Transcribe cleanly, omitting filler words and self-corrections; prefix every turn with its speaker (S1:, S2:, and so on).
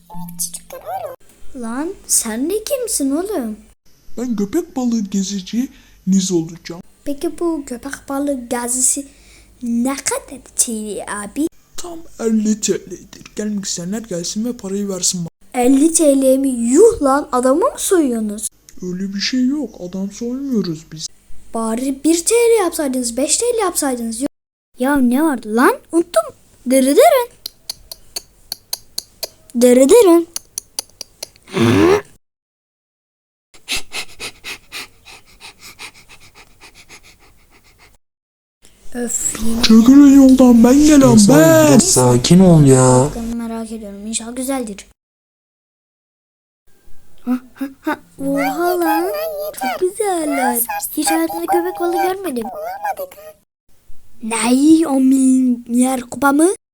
S1: Evet çocuklar öyle.
S2: Lan sen de kimsin oğlum?
S3: Ben köpek balığı geziciniz olacağım.
S2: Peki bu köpek balığı gezisi ne kadar TL abi?
S3: Tam 50 TL'dir. Gelmek isteyenler gelsin ve parayı versin bana.
S2: 50 TL mi? Yuh lan, adamı mı soyuyorsunuz?
S3: Öyle bir şey yok. Adam soymuyoruz biz.
S2: Bari 1 TL yapsaydınız, 5 TL yapsaydınız. Yok. Ya ne vardı lan? Unuttum. Dırıdırın. Dırıdırın. Öf, yine
S3: Çekilin yoldan, ben gelen
S4: İnsan
S3: ben.
S4: biraz sakin ol ya.
S2: bakalım, merak ediyorum. İnşallah güzeldir. Oha lan. Çok güzeller. Hiç hayatımda köpek balığı görmedim.
S1: Bulamadık ha.
S2: Ney o milyar kupa mı?